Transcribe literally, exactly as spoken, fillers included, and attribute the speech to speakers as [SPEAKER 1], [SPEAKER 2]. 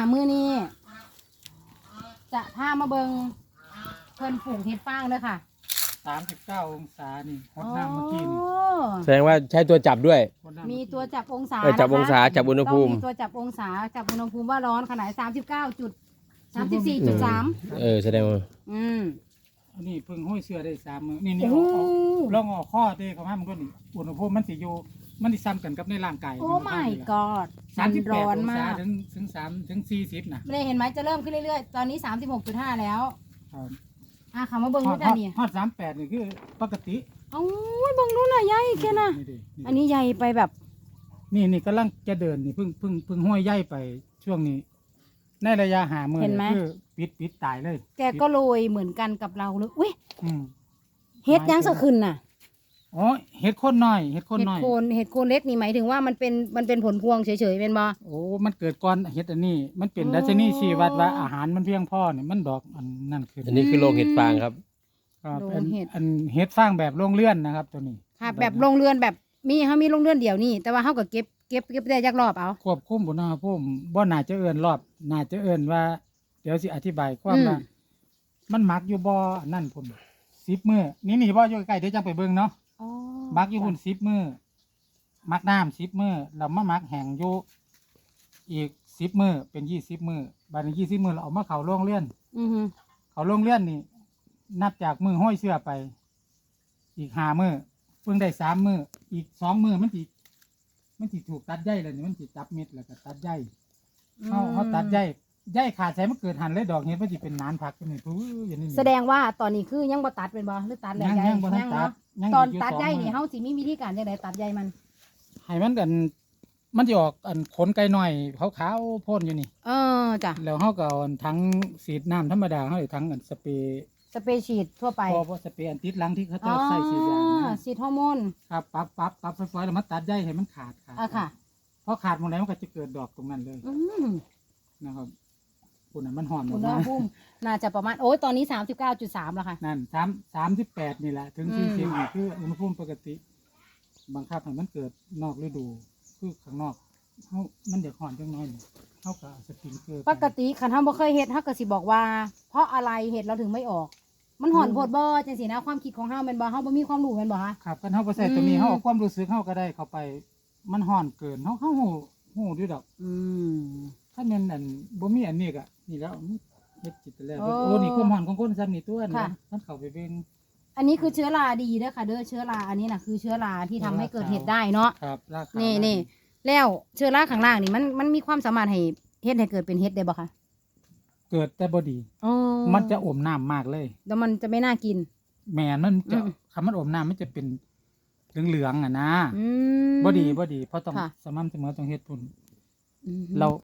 [SPEAKER 1] มื้อนี้จะพามาเบิงเพิ่นปลูกเห็ดฟางเด้อค่ะ
[SPEAKER 2] สามสิบเก้าองศานี่ฮอตน้ำเมื่อกี้นี่
[SPEAKER 3] แสดงว่าใช้ตัวจับด้วย
[SPEAKER 1] มีตัวจับองศา
[SPEAKER 3] เออจับองศาจับอุณหภูมิ
[SPEAKER 1] ต้องมีตัวจับองศาจับอุณหภูมิว่าร้อนขนาดสามสิบเก้าจุดสามสิบสี่จุดสาม
[SPEAKER 3] เออแสดงว่า
[SPEAKER 1] อืม
[SPEAKER 2] อันนี้เพิ่งห้อยเสื้อได้สามมื้อนี่นี่
[SPEAKER 1] โอ้
[SPEAKER 2] เอาเอาลองเอาข้อเด้เข้ามามันก็นี่อุณหภูมิมันสิอยู่มันสิซ้ำกันกับในร่างกาย
[SPEAKER 1] โอ้ my god
[SPEAKER 2] สามสิบแป
[SPEAKER 1] ร้
[SPEAKER 2] ด
[SPEAKER 1] อ
[SPEAKER 2] อน ง
[SPEAKER 1] มา
[SPEAKER 2] ศาก ถึงถึงสามถึงสี่สิบนะ
[SPEAKER 1] ไม่ได้เห็นไหมจะเริ่มขึ้นเรื่อยๆ ตอนนี้สามสิบหกจุดห้าแล้ว
[SPEAKER 2] ครับ
[SPEAKER 1] อ่ะคำว่าเบิ้ง
[SPEAKER 2] ฮอ
[SPEAKER 1] นู่
[SPEAKER 2] ด
[SPEAKER 1] นจ้ะนี่
[SPEAKER 2] ฮอดสามแปดนี่คือปกติ
[SPEAKER 1] เอ้ยเบิ้งนู่นน่ะใหญ่แค่น่ะ
[SPEAKER 2] นี่ดิ
[SPEAKER 1] อันนี้ใหญ่ไปแบบ
[SPEAKER 2] นี่นี่กำลังจะเดินนี่เพิ่งเพิ่งเพิ่งห้อยใหญ่ไปช่วงนี้ ในระยะหามือนี่คือปิดปิดตายเลย
[SPEAKER 1] แกก็โรยเหมือนกันกับเราเลยอุ้ย
[SPEAKER 2] อืม
[SPEAKER 1] เฮ็ดยังสะขึ้นน่ะ
[SPEAKER 2] อ๋อเห็ดโคนน้อยเห็ดโคน
[SPEAKER 1] เห็ด
[SPEAKER 2] น้อย
[SPEAKER 1] โคนเห็ดโคนเล็กนี่หมายถึงว่ามันเป็นมันเป็นผลพวงเฉยๆเป็นบ่
[SPEAKER 2] โอ้มันเกิดก่อนเห็ดอันนี้ มันเป็น
[SPEAKER 1] อ๋อ
[SPEAKER 2] ดัชนีชี้วัดว่าอาหารมันเพียงพอเนี่ยมันดอกอันนั่นขึ้น
[SPEAKER 3] อันนี้คือโรงเห็ดฟางครับ
[SPEAKER 2] ครับ
[SPEAKER 1] โร
[SPEAKER 2] อั
[SPEAKER 1] ง
[SPEAKER 2] น
[SPEAKER 1] เห็ด
[SPEAKER 2] อันเห็ดฟางแบบโรงเลื่อนนะครับ ตัวนี้
[SPEAKER 1] ค่ะแบบโรงเรือนแบบมีเขามีโรงเรือนเดี่ยวนี่แต่ว่าเขาก็เก็บเก็บเก็บได้จักรอบเอา
[SPEAKER 2] ควบคุมบุณหภูมิบ่น่าจะเอื้อนรอบน่าจะเอื้อนว่า เดี๋ยวสิอธิบายความว่ามันหมักอยู่บ่นั่นพุ่นสิบมื้อนี่นี่บ่อยู่ใกล้ๆเดี๋ยวจังไปเบิ่งเนาะ
[SPEAKER 1] อ๋อ
[SPEAKER 2] หมักอยู่พุ่นสิบมื้อหมักน้ำสิบมื้อแล้วมาหมักแห้งอยู่อีกสิบมื้อเป็นยี่สิบมื้อบัดนี้ยี่สิบมื้อเราเอามาเข้าโรงเรือน
[SPEAKER 1] อือฮึ
[SPEAKER 2] เขาโรงเรือนนี่นับจากมือห้อยเสื้อไป อีกห้ามือเพิ่งได้สามมืออีกสองมือมันสิมันสิถูกตัดใยแล้วนี่มันสิจับเม็ดแล้วก็ตัดใยเขาเขาตัดใยใยขาดใช้มันเกิดหันเลยดอกเห็ดมันสิเป็นนานผักกันนี่ผู้อย่างนี้นี่
[SPEAKER 1] แสดงว่าตอนนี้คือยังบ่ตัดเป็นบ่หรือตัดแล้ว
[SPEAKER 2] ยัง
[SPEAKER 1] ใหญ่
[SPEAKER 2] ยังบ่ทัน
[SPEAKER 1] ยัง
[SPEAKER 2] ตั
[SPEAKER 1] เนาะ
[SPEAKER 2] ดยัง
[SPEAKER 1] ตอน
[SPEAKER 2] ยู่
[SPEAKER 1] ตัดใย
[SPEAKER 2] สอง
[SPEAKER 1] นี่
[SPEAKER 2] มื้อ
[SPEAKER 1] เฮาสิมีวิธีการจังไดตัดใยมัน
[SPEAKER 2] ให้มันกันมันจะออกอันขนไก่หน่อยขาวๆพ่นอยู่นี่
[SPEAKER 1] เออจ้ะ
[SPEAKER 2] แล้วเขาก็เอาอันทั้งสีดน้ำธรรมดาเขาเลยทั้งอันสเปรย์
[SPEAKER 1] สเปรย์ฉีดทั่วไป
[SPEAKER 2] พอพอสเปรย์อันติดหลังที่เขา
[SPEAKER 1] อ๋
[SPEAKER 2] จะ
[SPEAKER 1] อ
[SPEAKER 2] ใส่สีดยางนะ
[SPEAKER 1] ฉีดฮอร์โมน
[SPEAKER 2] ครับปั๊บปั๊บปั๊บไฟฟ้าแล้วมันตัดใยให้มันขาดขาด
[SPEAKER 1] อ่ะค่ะ
[SPEAKER 2] เพราะขาดหมดแล้วมันก็จะเกิดดอกตรงนั้นเลย
[SPEAKER 1] อืม
[SPEAKER 2] นะครับคุณน่ะมันหอมอ
[SPEAKER 1] อุ
[SPEAKER 2] อก
[SPEAKER 1] ณห
[SPEAKER 2] มา
[SPEAKER 1] ภูมิน่าจะประมาณโอ้ยตอนนี้ สามสิบเก้าจุดสาม แล้วค่ะ
[SPEAKER 2] นั่นสามสามสิบแปดนี่แหละถึง
[SPEAKER 1] อื
[SPEAKER 2] สี่
[SPEAKER 1] ม
[SPEAKER 2] สิบนี่คืออุณหภูมิปกติบังคับให้มันเกิดนอกฤดูคือข้างนอกเขามันเดือดร้อนจังน้อยนี่เขาก็เอาสปริงเกอร์
[SPEAKER 1] ปกติคันเฮาบ่เคยเฮ็ดเฮาก็สิบอกว่า เพราะอะไรเฮ็ดเราถึงไม่ออก มันหอนโพดบ่จังซี่นะความคิดของเฮาแม่นบ่เฮาบ่มีความรู้แม่นบ่คะ
[SPEAKER 2] ครับกันเขาไปใส่ตัวนี้
[SPEAKER 1] อืม
[SPEAKER 2] เขาเอาความรู้สึกเขาก็ได้เข้าไป มันห่อนเกินเขาเขาหูหูด้วยดอก
[SPEAKER 1] อืม
[SPEAKER 2] ถ้าเน้นอันบ่มีอันนี้ก็นี่แล้วมันเฮ็ดจิตแล้ว
[SPEAKER 1] โอ้
[SPEAKER 2] โอ้นี่ความห่อนของคนซ้ำนี่ตัว
[SPEAKER 1] ค่ะ
[SPEAKER 2] นะมันเข้าไปเบิ่ง
[SPEAKER 1] อันนี้คือเชื้อราดีเด้อค่ะเด้อเชื้อราอันนี้น่ะคือเชื้อราที่ทำให้เกิดเห็ดได้เนาะ
[SPEAKER 2] ครับราคา
[SPEAKER 1] นี่
[SPEAKER 2] นี่
[SPEAKER 1] นี่แล้วเชื้อราข้างล่างนี่มันมันมีความสามารถให้เฮ็ดให้เกิดเป็นเห็ดได้บ่คะ
[SPEAKER 2] เกิดแต่บ่ดี
[SPEAKER 1] อ๋อ
[SPEAKER 2] มันจะอมน้ำมากเลย
[SPEAKER 1] แล้วมันจะไม่น่ากิน
[SPEAKER 2] แม่มันจะ
[SPEAKER 1] อืม
[SPEAKER 2] คำมันอมน้ำมันจะเป็นเหลืองๆอ่ะนะ
[SPEAKER 1] อืม
[SPEAKER 2] บ่ดีบ่ดีเพราะต้อง
[SPEAKER 1] ค่ะ
[SPEAKER 2] สม่ำเสมอต้องเฮ็ดพุ่น
[SPEAKER 1] อืม
[SPEAKER 2] เรา